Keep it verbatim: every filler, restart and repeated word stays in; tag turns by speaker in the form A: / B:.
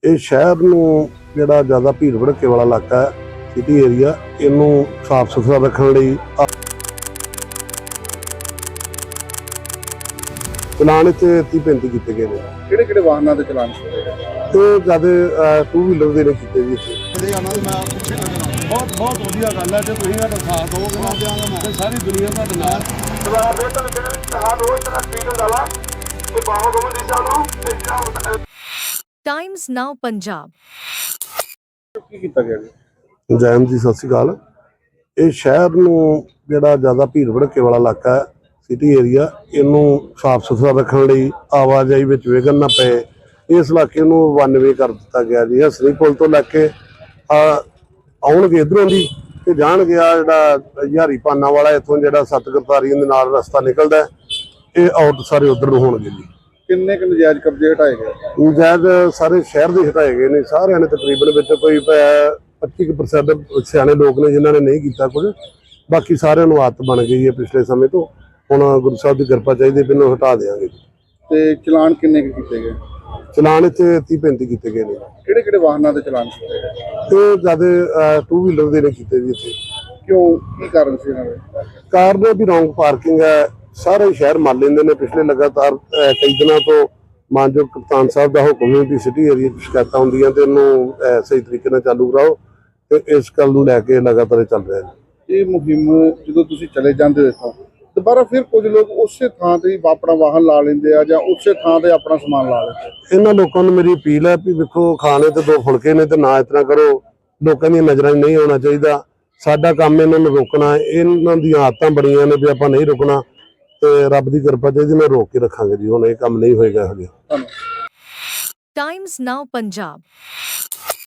A: ਇਹ ਸ਼ਹਿਰ ਨੂੰ ਜਿਹੜਾ ਜ਼ਿਆਦਾ ਭੀੜ ਭੜੱਕੇ ਵਾਲਾ ਇਲਾਕਾ ਹੈ, ਸਿਟੀ ਏਰੀਆ, ਇਹਨੂੰ ਸਾਫ਼ ਸੁਥਰਾ ਰੱਖਣ ਲਈ ਚਲਾਨ ਇੱਥੇ ਤੀਹ ਪੈਂਤੀ ਕੀਤੇ ਗਏ ਨੇ।
B: ਕਿਹੜੇ ਕਿਹੜੇ ਵਾਹਨਾਂ ਦੇ ਚਲਾਨ ਕੀਤੇ ਗਏ?
A: ਤੇ ਜਿਆਦਾ ਟੂ ਵੀਲਰ ਦੇ ਨੇ ਕੀਤੇ ਜੀ ਇੱਥੇ।
C: ਬਹੁਤ ਬਹੁਤ ਵਧੀਆ ਗੱਲ ਹੈ ਜੇ ਤੁਸੀਂ ਸਾਡਾ ਸਾਥ ਦੋਗੇ ਤੇ ਸਾਰੀ ਦੁਨੀਆ ਤੁਹਾਡੇ ਨਾਲ।
D: Times Now Punjab.
B: ਕੀ ਕੀਤਾ ਗਿਆ ਜੀ?
A: ਜੈਮ ਜੀ ਸਤਿ ਸ਼੍ਰੀ ਅਕਾਲ। ਇਹ ਸ਼ਹਿਰ ਨੂੰ ਜਿਹੜਾ ਜ਼ਿਆਦਾ ਭੀੜ ਭੜੱਕੇ ਵਾਲਾ ਇਲਾਕਾ ਹੈ, ਸਿਟੀ ਏਰੀਆ, ਇਹਨੂੰ ਸਾਫ਼ ਸੁਥਰਾ ਰੱਖਣ ਲਈ ਆਵਾਜਾਈ ਵਿੱਚ ਵਿਘਨ ਨਾ ਪਏ, ਇਸ ਇਲਾਕੇ ਨੂੰ ਵਨ ਵੇ ਕਰ ਦਿੱਤਾ ਗਿਆ ਜੀ। ਹਸਨੀ ਪੁਲ ਤੋਂ ਲੈ ਕੇ ਆਉਣਗੇ ਇੱਧਰੋਂ ਦੀ ਤੇ ਜਾਣਗੇ ਆ ਜਿਹੜਾ ਹਜ਼ਾਰੀ ਪਾਨਾ ਵਾਲਾ, ਇੱਥੋਂ ਜਿਹੜਾ ਸੱਤ ਕਰਤਾਰੀ ਦੇ ਨਾਲ ਰਸਤਾ ਨਿਕਲਦਾ, ਇਹ ਆਊਟ ਸਾਰੇ ਉੱਧਰ ਨੂੰ ਹੋਣਗੇ ਜੀ।
B: ਕਿੰਨੇ ਕੁ ਨਜਾਇਜ਼ ਕਬਜ਼ੇ ਹਟਾਏ ਗਏ?
A: ਨਜਾਇਜ਼ ਸਾਰੇ ਸ਼ਹਿਰ ਦੇ ਹਟਾਏ ਗਏ ਨੇ, ਸਾਰਿਆਂ ਨੇ ਤਕਰੀਬਨ ਵਿੱਚ ਕੋਈ ਪੱਚੀ ਕੁ ਪ੍ਰਸੈਂਟ ਸਿਆਣੇ ਲੋਕ ਨੇ ਜਿਨ੍ਹਾਂ ਨੇ ਨਹੀਂ ਕੀਤਾ ਕੁਝ, ਬਾਕੀ ਸਾਰਿਆਂ ਨੂੰ ਆਦਤ ਬਣ ਗਈ ਹੈ ਪਿਛਲੇ ਸਮੇਂ ਤੋਂ। ਹੁਣ ਗੁਰੂ ਸਾਹਿਬ ਦੀ ਕਿਰਪਾ ਚਾਹੀਦੀ, ਬਿਨਾਂ ਹਟਾ ਦੇਵਾਂਗੇ।
B: ਤੇ ਚਲਾਨ ਕਿੰਨੇ ਕੁ ਕੀਤੇ ਗਏ?
A: ਚਲਾਨ ਇੱਥੇ ਤੀਹ ਪੈਂਤੀ ਕੀਤੇ ਗਏ ਨੇ।
B: ਕਿਹੜੇ ਕਿਹੜੇ ਵਾਹਨਾਂ ਦੇ ਚਲਾਨ ਕੀਤੇ ਗਏ?
A: ਤੇ ਜਿਆਦਾ ਟੂ ਵੀਲਰ ਦੇ ਨੇ ਕੀਤੇ ਜੀ ਇੱਥੇ।
B: ਕਿਉਂ, ਕੀ ਕਾਰਨ ਸੀ ਇਹਨਾਂ ਦੇ?
A: ਕਾਰਨ ਵੀ ਰੌਂਗ ਪਾਰਕਿੰਗ ਹੈ, ਸਾਰੇ ਸ਼ਹਿਰ ਮੰਨ ਲੈਂਦੇ ਨੇ। ਪਿਛਲੇ ਲਗਾਤਾਰ ਕਈ ਦਿਨਾਂ ਤੋਂ ਮਾਨਯੋਗ ਕਪਤਾਨ ਸਾਹਿਬ ਦਾ ਹੁਕਮ ਹੈ ਕਿ ਸਿਟੀ ਏਰੀਆ 'ਚ ਸ਼ਿਕਾਇਤਾਂ ਹੁੰਦੀਆਂ ਤੇ ਇਹਨੂੰ ਸਹੀ ਤਰੀਕੇ ਨਾਲ ਚਾਲੂ ਕਰਾਓ, ਤੇ ਇਸ ਗੱਲ ਨੂੰ ਲੈ ਕੇ ਲਗਾਤਾਰ ਚੱਲ ਰਿਹਾ ਹੈ।
B: ਇਹ ਮੁਹਿੰਮ ਜਦੋਂ ਤੁਸੀਂ ਚਲੇ ਜਾਂਦੇ ਹੋ ਇੱਥੋਂ, ਦੁਬਾਰਾ ਫਿਰ ਕੁਝ ਲੋਕ ਉਸੇ ਥਾਂ ਤੇ ਹੀ ਆਪਣਾ ਵਾਹਨ ਲਾ ਲੈਂਦੇ ਆ ਜਾਂ ਉਸੇ ਥਾਂ ਤੇ ਆਪਣਾ ਸਮਾਨ ਲਾ ਲੈਂਦੇ।
A: ਇਹਨਾਂ ਲੋਕਾਂ ਨੂੰ ਮੇਰੀ ਅਪੀਲ ਹੈ ਵੀ ਵੇਖੋ, ਖਾਣੇ ਤੇ ਦੋ ਫੁਲਕੇ ਨੇ ਤੇ ਨਾ ਇਸ ਤਰ੍ਹਾਂ ਕਰੋ। ਲੋਕਾਂ ਦੀਆਂ ਨਜ਼ਰਾਂ 'ਚ ਨਹੀਂ ਆਉਣਾ ਚਾਹੀਦਾ। ਸਾਡਾ ਕੰਮ ਇਹਨਾਂ ਨੂੰ ਰੋਕਣਾ, ਇਹਨਾਂ ਦੀਆਂ ਆਦਤਾਂ ਬਣੀਆਂ ਨੇ ਵੀ ਆਪਾਂ ਨਹੀਂ ਰੁਕਣਾ, ਤੇ ਰੱਬ ਦੀ ਕਿਰਪਾ ਚਾਹੀਦੀ, ਮੈਂ ਰੋਕ ਕੇ ਰੱਖਾਂਗੇ ਜੀ। ਹੁਣ ਇਹ ਕੰਮ ਨਹੀਂ ਹੋਏਗਾ ਇਹੋ ਜਿਹਾ।
D: Times Now Punjab.